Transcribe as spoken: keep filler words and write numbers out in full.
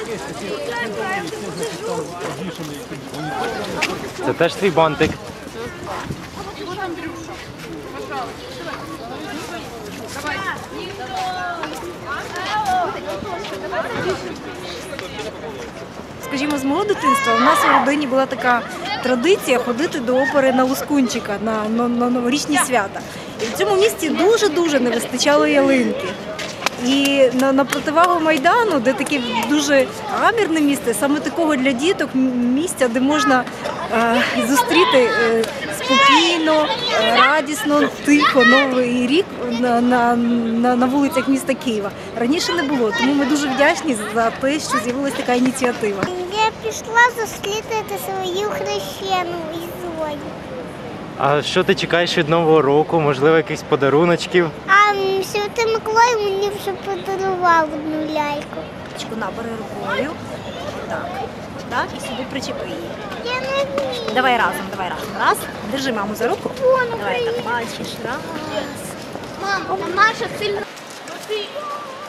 Це теж твій бантик. Скажімо, з мого дитинства у нас у родині була така традиція ходити до опери на Лускунчика на, на, на новорічні свята. І в цьому місті дуже-дуже не вистачало ялинки. І на, на противагу Майдану, де таке дуже гамірне місце, саме такого для діток місця, де можна е, зустріти е, спокійно, е, радісно, тихо Новий рік на, на, на, на вулицях міста Києва. Раніше не було, тому ми дуже вдячні за те, що з'явилася така ініціатива. Я пішла зустріти свою хрещену із Зою. А що ти чекаєш від Нового року? Можливо, якихось подаруночків? А Святий Миколай мені вже подарував одну ляльку. Набери рукою. Так. Так, і сюди причепи її. Я не вмію. Давай разом, давай разом. Раз. Держи маму за руку. Вон, Давай так, бачиш. Раз. Мама, Маша сильно.